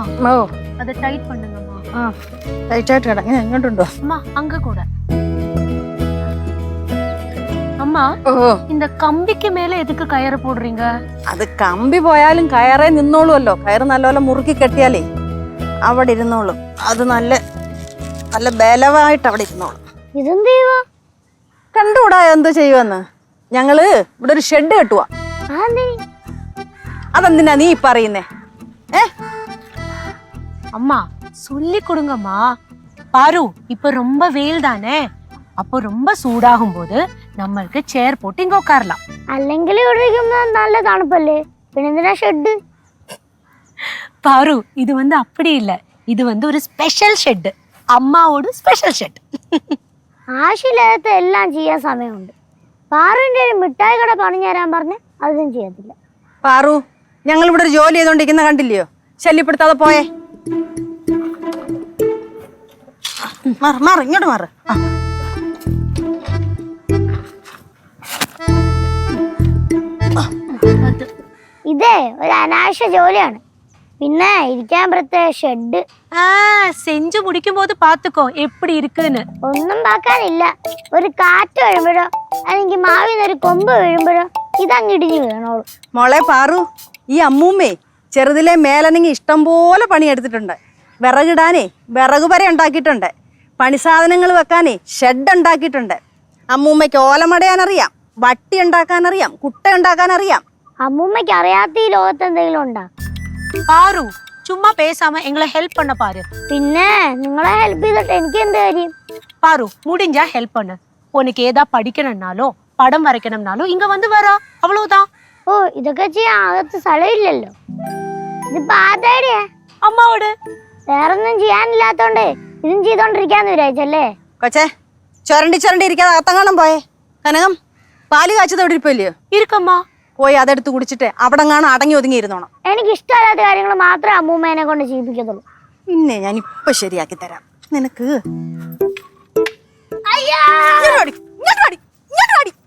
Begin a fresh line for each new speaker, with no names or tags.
ഓ
அதை tight பண்ணுங்கம்மா.
Tight ആയിട്ട് കിടങ്ങ എങ്ങോട്ടുണ്ടോ
அம்மா அங்க கூட. அம்மா
ഓ
இந்த கம்பிக்கு மேல எதுக்கு கயிறு போடுறீங்க?
അത് കമ്പി പോയാലും കയറേ നിന്നോളുമല്ലോ. കയറ് നല്ലപോലെ മുറുക്കി കെട്ടിയാലേ അവിടെ ഇരുന്നോളും. അത് നല്ല നല്ല ബലമായിട്ട് അവിടെ ഇരുന്നോളും.
ഇതെന്ത് ചെയ്യുവാ?
കണ്ടുകൂടാ എന്ത് ചെയ്യുമെന്ന്. ഞങ്ങള് ഇവിടെ ഒരു ഷെഡ് കെട്ടുവാ. അതെന്തിനാ നീ പറയുന്നേ?
அம்மா சொல்லி கொடுங்கம்மா. பாரு இப்ப ரொம்ப வெயில் தானே, அப்போ ரொம்ப சூடாகும் போது നമ്മൾക്ക് ചെയർ പോട്ട് ഇങ്ങ ഉட்காரலாம்.
അല്ലെങ്കിൽ ഇവിടെ ഇരിക്കുമ്പോ നല്ല തണുപ്പല്ലേ, പിന്നെന്തിനാ ഷെഡ്?
பாரு இது வந்து அப்படி இல்ல, இது வந்து ஒரு ஸ்பெஷல் ഷെഡ്, അമ്മാവോട് സ്പെഷ്യൽ ഷെഡ്.
ആവശ്യമില്ലാത്ത എല്ലാം ചെയ്യാൻ സമയമുണ്ട്. പാറുവിന്റെ ഒരു മിഠായി കട പണിഞ്ഞു തരാൻ പറഞ്ഞ് അതൊന്നും ചെയ്യത്തില്ല.
പാറു, ഞങ്ങൾ ഇവിടെ ഒരു ജോലി ചെയ്തോണ്ടിരിക്കുന്ന കണ്ടില്ലയോ? ശല്യപ്പെടുത്താതെ പോയേ. മാറ് ഇങ്ങോട്ട് മാറ്.
ഇതേ ഒരു അനാവശ്യ ജോലിയാണ്. പിന്നെ ഇരിക്കാൻ പ്രത്യേക ഷെഡ്.
செஞ்சு முடிக்கும் போது பாத்துக்கோ எப்படி இருக்குன்னு.
ഒന്നും പാക്കാനില്ല. ഒരു കാറ്റ് വീഴുമ്പോഴോ അല്ലെങ്കിൽ മാവിൽ ഒരു കൊമ്പ് വീഴുമ്പോഴോ ഇതങ്ങ് ഇടിഞ്ഞു വീണോളൂ.
മോളെ പാറു, ഈ അമ്മൂമ്മേ ചെറുതിലെ മേലനങ്ങി ഇഷ്ടം പോലെ പണിയെടുത്തിട്ടുണ്ട്. വിറകിടാനേ വിറക് വരെ ഉണ്ടാക്കിയിട്ടുണ്ട്. പണിസാധനങ്ങൾ വെക്കാനേ ഷെഡ് ഉണ്ടാക്കിയിട്ടുണ്ട്. അമ്മൂമ്മയ്ക്ക് ഓലമടയാനറിയാം, വട്ടി ഉണ്ടാക്കാനറിയാം, കുട്ട ഉണ്ടാക്കാനറിയാം.
അമ്മൂമ്മയ്ക്ക് അറിയാത്ത ഈ ലോകത്ത് എന്തെങ്കിലും ഉണ്ടാ?
பாரு சும்மா பேசாம எங்களை ஹெல்ப் பண்ண பாரு.
പിന്നെ നിങ്ങളെ ഹെൽപ്പ് ചെയ്തിട്ട് എനിക്ക് എന്ത് കാര്യം?
பாரு முடிஞ்சா ஹெல்ப் பண்ணு. உனக்கு ஏதா படிக்கணும்னாலோ படம் வரைக்கணும்னாலோ இங்க வந்து வரா, அவ்வளவுதான்.
ഓ, ഇതൊക്കെ ചെയ്യാൻ അകത്ത് സ്ഥലമില്ലല്ലോ. ഇതിപ്പോ ആരുടെയാ?
അമ്മാവോട്.
വേറൊന്നും ചെയ്യാനില്ലാത്തോണ്ട് ഇതും ചെയ്തോണ്ടിരിക്കാന്ന് വിചാരിച്ചല്ലേ?
കൊച്ചേ, ചുരണ്ടി ഇരിക്കാതെ അകത്തങ്ങാണം പോയേ. കനകം, പാല് കാച്ചത് എവിടെ ഇരിപ്പില്ലയോ?
இருக்கம்மா.
പോയി അതെടുത്ത് കുടിച്ചിട്ട് അവിടെ കാണാൻ അടങ്ങി ഒതുങ്ങിയിരുന്നോണം.
എനിക്ക് ഇഷ്ടമല്ലാത്ത കാര്യങ്ങൾ മാത്രമേ അമ്മൂമ്മേനെ കൊണ്ട് ചെയ്യിപ്പിക്കത്തുള്ളൂ.
പിന്നെ ഞാൻ ഇപ്പൊ ശരിയാക്കി തരാം നിനക്ക്.
അയ്യാ,
ഇങ്ങോട്ട് വാടി.